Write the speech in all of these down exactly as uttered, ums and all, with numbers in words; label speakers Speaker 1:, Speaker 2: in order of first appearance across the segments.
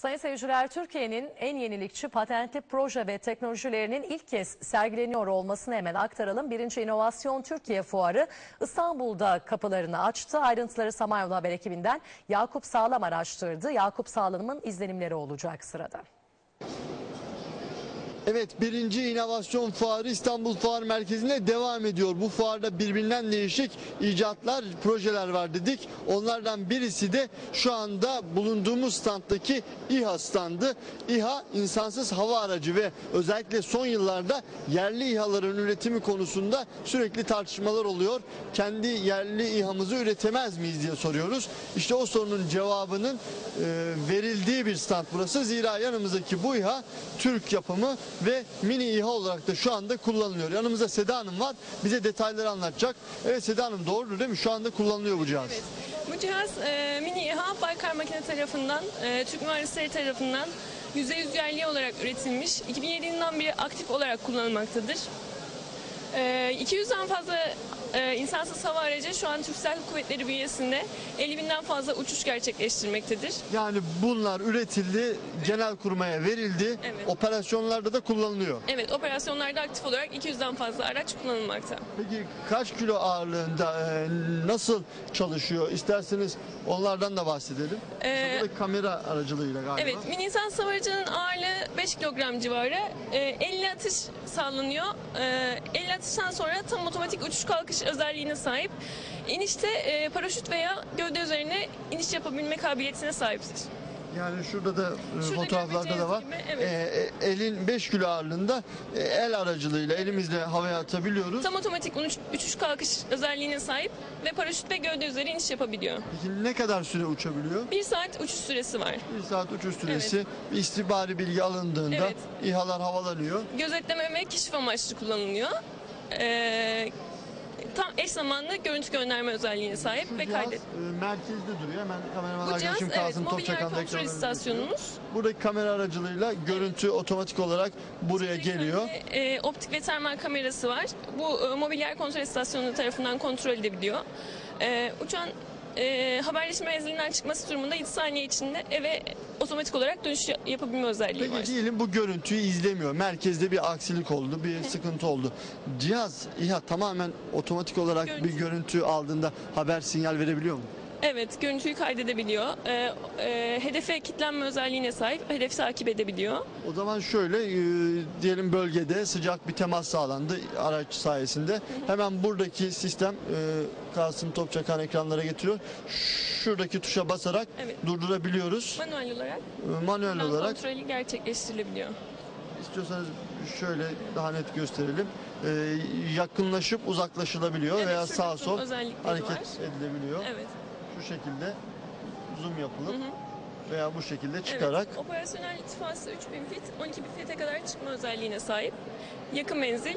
Speaker 1: Sayın seyirciler, Türkiye'nin en yenilikçi patentli proje ve teknolojilerinin ilk kez sergileniyor olmasını hemen aktaralım. Birinci İnovasyon Türkiye Fuarı İstanbul'da kapılarını açtı. Ayrıntıları Samanyolu Haber ekibinden Yakup Sağlam araştırdı. Yakup Sağlam'ın izlenimleri olacak sırada.
Speaker 2: Evet, birinci İnovasyon Fuarı İstanbul Fuar Merkezi'nde devam ediyor. Bu fuarda birbirinden değişik icatlar, projeler var dedik. Onlardan birisi de şu anda bulunduğumuz standdaki İHA standı. İHA insansız hava aracı ve özellikle son yıllarda yerli İHA'ların üretimi konusunda sürekli tartışmalar oluyor. Kendi yerli İHA'mızı üretemez miyiz diye soruyoruz. İşte o sorunun cevabının e, verildiği bir stand burası. Zira yanımızdaki bu İHA Türk yapımı ve mini İHA olarak da şu anda kullanılıyor. Yanımızda Seda Hanım var. Bize detayları anlatacak. Evet Seda Hanım, doğrudur değil mi? Şu anda kullanılıyor bu cihaz.
Speaker 3: Evet. Bu cihaz e, mini İHA Baykar Makine tarafından, e, Türk mühendisleri tarafından yüzde yüz yerli olarak üretilmiş. iki bin yedi yılından beri aktif olarak kullanılmaktadır. E, iki yüzden fazla e, insansız hava aracı şu an Türk Silahlı Kuvvetleri bünyesinde elli binden fazla uçuş gerçekleştirmektedir.
Speaker 2: Yani bunlar üretildi, Genelkurmay'a verildi,
Speaker 3: Evet.
Speaker 2: operasyonlarda da kullanılıyor.
Speaker 3: Evet, operasyonlarda aktif olarak iki yüzden fazla araç kullanılmakta.
Speaker 2: Peki kaç kilo ağırlığında, e, nasıl çalışıyor? İsterseniz onlardan da bahsedelim.
Speaker 3: Ee,
Speaker 2: Burada kamera aracılığıyla galiba.
Speaker 3: Evet, mini insansız hava aracının ağırlığı beş kilogram civarı. E, elli atış sağlanıyor. E, elli atıştan sonra tam otomatik uçuş kalkış özelliğine sahip. İnişte e, paraşüt veya gövde üzerine iniş yapabilme kabiliyetine sahiptir.
Speaker 2: Yani şurada da e,
Speaker 3: Şurada
Speaker 2: fotoğraflarda da var.
Speaker 3: göreceğiniz gibi, evet.
Speaker 2: E, e, elin beş kilo ağırlığında e, el aracılığıyla elimizle havaya atabiliyoruz.
Speaker 3: Tam otomatik uç- uçuş kalkış özelliğine sahip ve paraşüt ve gövde üzeri iniş yapabiliyor.
Speaker 2: Peki ne kadar süre uçabiliyor?
Speaker 3: Bir saat uçuş süresi var.
Speaker 2: Bir saat uçuş süresi. Bir istihbari bilgi alındığında
Speaker 3: Evet.
Speaker 2: İHA'lar havalanıyor.
Speaker 3: Gözetleme ve keşif amaçlı kullanılıyor. E, tam eş zamanlı görüntü gönderme özelliğine sahip
Speaker 2: Şu
Speaker 3: ve
Speaker 2: cihaz
Speaker 3: kaydet.
Speaker 2: e, merkezde duruyor. Hemen kameraman
Speaker 3: Bu cihaz
Speaker 2: arkadaşım
Speaker 3: evet
Speaker 2: Kasım
Speaker 3: mobil yer
Speaker 2: Topçakan da
Speaker 3: kontrol
Speaker 2: ekranlarına
Speaker 3: istasyonumuz.
Speaker 2: getiriyor. Buradaki kamera aracılığıyla görüntü otomatik olarak buraya geliyor.
Speaker 3: E, optik ve termal kamerası var. Bu e, mobil yer kontrol istasyonu tarafından kontrol edebiliyor. E, uçağın e, haberleşme menzilinden çıkması durumunda yedi saniye içinde eve otomatik olarak dönüş yapabilme özelliği var.
Speaker 2: Peki diyelim bu görüntüyü izlemiyor. Merkezde bir aksilik oldu, bir sıkıntı oldu. Cihaz İHA tamamen otomatik olarak
Speaker 3: Görüntü.
Speaker 2: bir görüntü aldığında haber sinyal verebiliyor mu?
Speaker 3: Evet, görüntüyü kaydedebiliyor. E, e, hedefe kilitlenme özelliğine sahip, hedefi takip edebiliyor.
Speaker 2: O zaman şöyle e, diyelim bölgede sıcak bir temas sağlandı araç sayesinde. Hemen buradaki sistem e, Kasım Topçakan ekranlara getiriyor. Şuradaki tuşa basarak
Speaker 3: Evet.
Speaker 2: durdurabiliyoruz.
Speaker 3: Manuel olarak
Speaker 2: E, manuel
Speaker 3: buradan
Speaker 2: olarak.
Speaker 3: kontrolü gerçekleştirilebiliyor.
Speaker 2: İstiyorsanız şöyle daha net gösterelim. E, yakınlaşıp uzaklaşılabiliyor
Speaker 3: Evet,
Speaker 2: veya
Speaker 3: şurada
Speaker 2: sağ
Speaker 3: zoom
Speaker 2: sol
Speaker 3: özellikleri
Speaker 2: hareket
Speaker 3: var.
Speaker 2: edilebiliyor.
Speaker 3: Evet.
Speaker 2: Şu şekilde zoom yapılıp
Speaker 3: Hı hı.
Speaker 2: veya bu şekilde çıkarak.
Speaker 3: Evet, operasyonel irtifası üç bin fit, on iki bin fite kadar çıkma özelliğine sahip. Yakın menzil, e,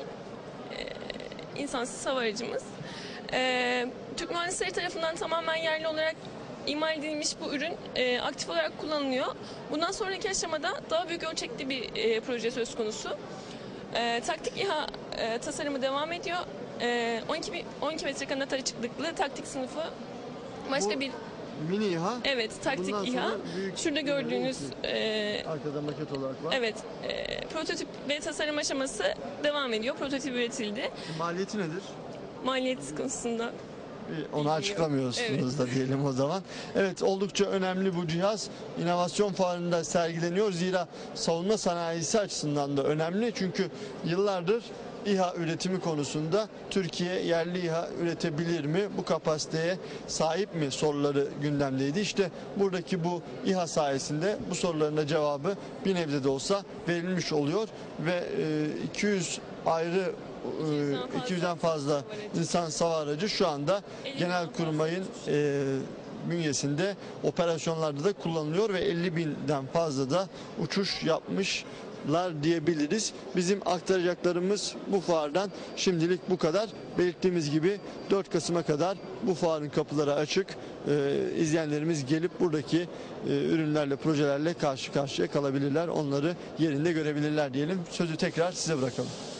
Speaker 3: insansız hava aracımız. E, Türk mühendisleri tarafından tamamen yerli olarak imal edilmiş bu ürün e, aktif olarak kullanılıyor. Bundan sonraki aşamada daha büyük ölçekli bir e, proje söz konusu. E, taktik İHA e, tasarımı devam ediyor. E, on iki, bin, on iki metre kanat açıklıklı taktik sınıfı başka
Speaker 2: Bu
Speaker 3: bir
Speaker 2: mini İHA.
Speaker 3: evet taktik
Speaker 2: Bundan
Speaker 3: İHA.
Speaker 2: sonra büyük
Speaker 3: Şurada
Speaker 2: İHA'ya
Speaker 3: gördüğünüz
Speaker 2: geçiyor.
Speaker 3: e,
Speaker 2: Arkada maket olarak var.
Speaker 3: evet e, prototip ve tasarım aşaması devam ediyor. Prototip üretildi.
Speaker 2: Maliyeti nedir?
Speaker 3: Maliyet konusunda
Speaker 2: Bir Onu açıklamıyorsunuz da diyelim o zaman. Evet, oldukça önemli bu cihaz. İnovasyon Fuarı'nda sergileniyor. Zira savunma sanayisi açısından da önemli. Çünkü yıllardır İHA üretimi konusunda Türkiye yerli İHA üretebilir mi? Bu kapasiteye sahip mi soruları gündemdeydi. İşte buradaki bu İHA sayesinde bu soruların da cevabı bir nebze de olsa verilmiş oluyor ve iki yüz ayrı iki yüzden fazla insan hava aracı şu anda Genelkurmay'ın e, bünyesinde operasyonlarda da kullanılıyor ve elli binden fazla da uçuş yapmışlar diyebiliriz. Bizim aktaracaklarımız bu fuardan şimdilik bu kadar. Belirttiğimiz gibi dört Kasım'a kadar bu fuarın kapıları açık. Ee, izleyenlerimiz gelip buradaki e, ürünlerle, projelerle karşı karşıya kalabilirler. Onları yerinde görebilirler diyelim. Sözü tekrar size bırakalım.